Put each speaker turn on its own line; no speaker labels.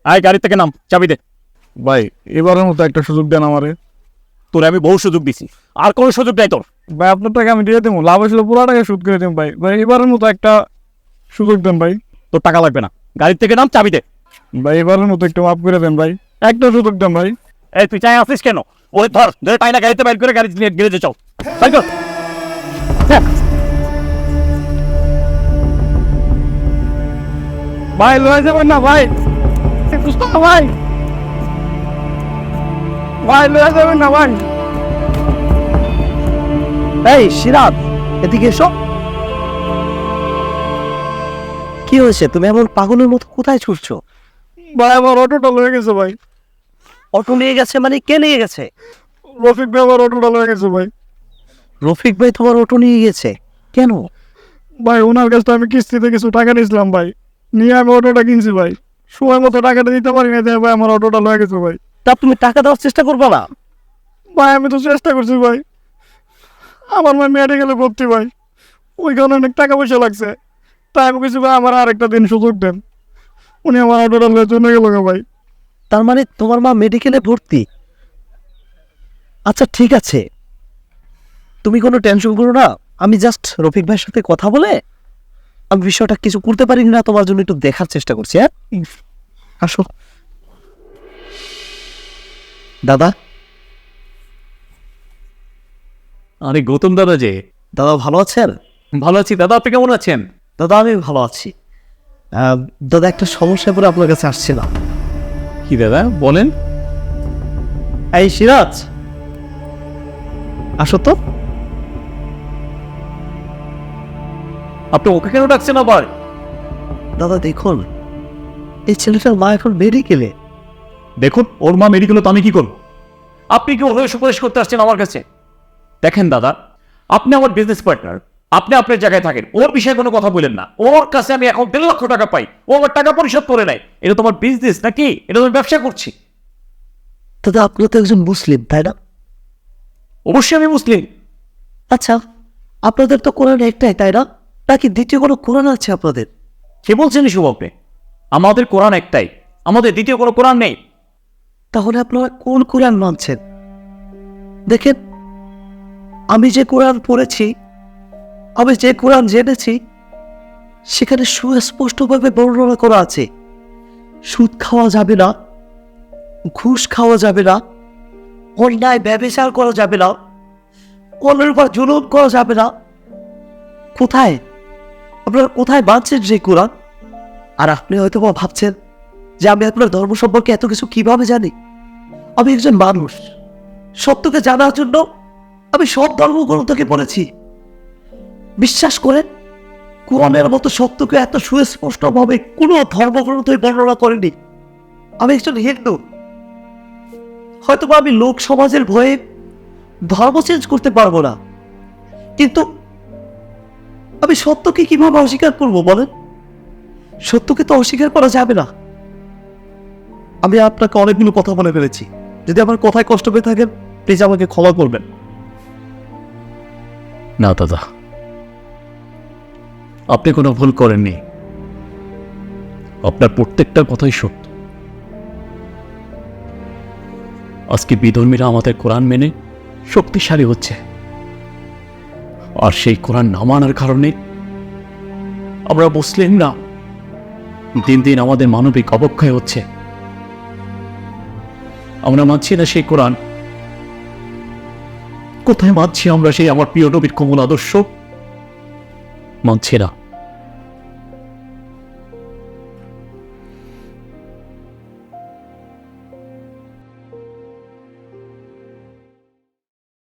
আয় গাড়ি থেকে নাম, চাবি দে।
ভাই এবারের মতো একটা সুযোগ দেন আমারে।
তোরে আমি বহু সুযোগ দিছি, আর কোনো সুযোগ নাই তোর।
ভাই আপনার টাকা আমি দিয়ে দেবো, লাভ আসলে পুরো টাকা সুদ করে দেবো ভাই। ভাই এবারের মতো একটা সুযোগ দেন ভাই।
তোর টাকা লাগবে না, গাড়ি থেকে নাম, চাবি দে।
ভাই এবারের মতো একটু মাফ করে দেন ভাই, একটা সুযোগ দেন ভাই।
এই তুই চাই আসিস কেন? ওই ধর ধরে টাইনা গাড়িতে বাইর করে গাড়ি নিয়ে গ্যারেজে চল। বাইর কর। হ্যাঁ।
ভাই লয়ে যাবেন না ভাই, ভাই ভাই লয়ে যাবেন না ভাই।
এই সিরাত, এদিকে এসো। কি হয়েছে? তুমি এমন পাগলের মতো কোথায় ছুটছো?
ভাই আমার অটোটা লয়ে গেছে ভাই।
অটো নিয়ে গেছে মানে কে নিয়ে গেছে?
রফিক ভাই আমার অটোটা লয়ে গেছে ভাই।
রফিক ভাই তোমার অটো নিয়ে গেছে কেন?
ভাই ওনার কাছে তো আমি কিস্তিতে কিছু টাকা নিয়েছিলাম ভাই, নিয়ে আমি অটোটা কিনছি ভাই। সময় মতো টাকাটা দিতে পারি না, তাই ভাই আমার অটোটা লয়ে গেছে ভাই।
তা তুমি টাকা দেওয়ার চেষ্টা করবে না?
ভাই আমি তো চেষ্টা করছি ভাই, আমার ভাই মেডিকেলে ভর্তি ভাই, ওইখানে অনেক টাকা পয়সা লাগছে। তাই আমি কিছু ভাই আমার আরেকটা দিন সুযোগ দেন। উনি আমার অটোটা লয়ে চলে গেল ভাই।
তার মানে তোমার মা মেডিকেলে ভর্তি? আচ্ছা ঠিক আছে, তুমি কোনো টেনশন করো না। আমি জাস্ট রফিক ভাইয়ের সাথে কথা বলে আমি বিষয়টা কিছু করতে পারি না তোমার জন্য একটু দেখার চেষ্টা করছি। হ্যাঁ আসো দাদা।
আরে গৌতম দাদা যে।
দাদা ভালো আছেন?
ভালো আছি দাদা, আপনি কেমন আছেন?
দাদা আমি ভালো আছি। দাদা একটা সমস্যা পরে আপনার কাছে আসছিলাম।
কি দাদা বলেন?
এই সিরাজ, আসো তো।
আপনি ওকে কেন ডাকছেন আবার?
দাদা দেখুন, এই ছেলেটার মা এখন মেডিকেলে।
দেখুন ওর মা মেডিকেলে, তো আমি কি করবো? আপনি কি ওর হয়ে সুপারিশ করতে আসছেন আমার কাছে? দেখেন দাদা, আপনি আমার বিজনেস পার্টনার, আপনি আপনার জায়গায় থাকেন, ওর বিষয়ে কোনো কথা বলেন না। ওর কাছে আমি এখন 1.5 লক্ষ টাকা পাই, ও আমার টাকা পরিশোধ করে নেয়। এটা তোমার বিজনেস নাকি? এটা তুমি ব্যবসা করছি।
দাদা আপনি তো একজন মুসলিম তাই না?
অবশ্যই আমি মুসলিম।
আচ্ছা আপনাদের তো কোরআন একটাই তাই না, নাকি দ্বিতীয় কোনো কোরআন আছে আপনাদের?
কে বলছেন এসব আপনি? আমাদের কোরআন একটাই, আমাদের দ্বিতীয় কোনো কোরআন নেই।
তাহলে আপনারা কোন কোরআন মানছেন? দেখেন, আমি যে কোরআন পড়েছি, আমি যে কোরআন জেনেছি, সেখানে সুস্পষ্টভাবে বর্ণনা করা আছে সুদ খাওয়া যাবে না, ঘুষ খাওয়া যাবে না, অন্যায় ব্যভিচার করা যাবে না, অন্যের উপর জুলুম করা যাবে না। কোথায় আপনারা কোথায় মানছেন যে কোরআন? আর আপনি হয়তো বা ভাবছেন যে আমি আপনার ধর্ম সম্পর্কে এত কিছু কিভাবে জানি। আমি একজন মানুষ, সত্যকে জানার জন্য আমি সব ধর্মগ্রন্থকে পড়েছি। বিশ্বাস করেন, কোরআনের মতো সত্যকে এত সুস্পষ্টভাবে কোনো ধর্মগ্রন্থই বর্ণনা করেনি। আমি একজন হিন্দু, হয়তো আমি লোক সমাজের ভয়ে ধর্ম চেঞ্জ করতে পারবো না, কিন্তু আমি সত্যকে কিভাবে অস্বীকার করবো বলেন? সত্যকে তো অস্বীকার করা যাবে না। আমি আপনাকে অনেকগুলো কথা বলে ফেলেছি, যদি আমার কথায় কষ্ট পেয়ে থাকেন প্লিজ আমাকে ক্ষমা করবেন।
না দাদা, আপনি কোনো ভুল করেননি, আপনার প্রত্যেকটা কথাই সত্য। আজকে বিধর্মীরা আমাদের কোরআন মেনে শক্তিশালী হচ্ছে, আর সেই কোরআন না মানার কারণে আমরা মুসলিমরা দিন দিন আমাদের মানবিক অবক্ষয় হচ্ছে। আমরা মানছি না সেই কোরআন। কোথায় মানছি আমরা সেই আমার প্রিয় নবীর কোমল আদর্শ? মানছি না।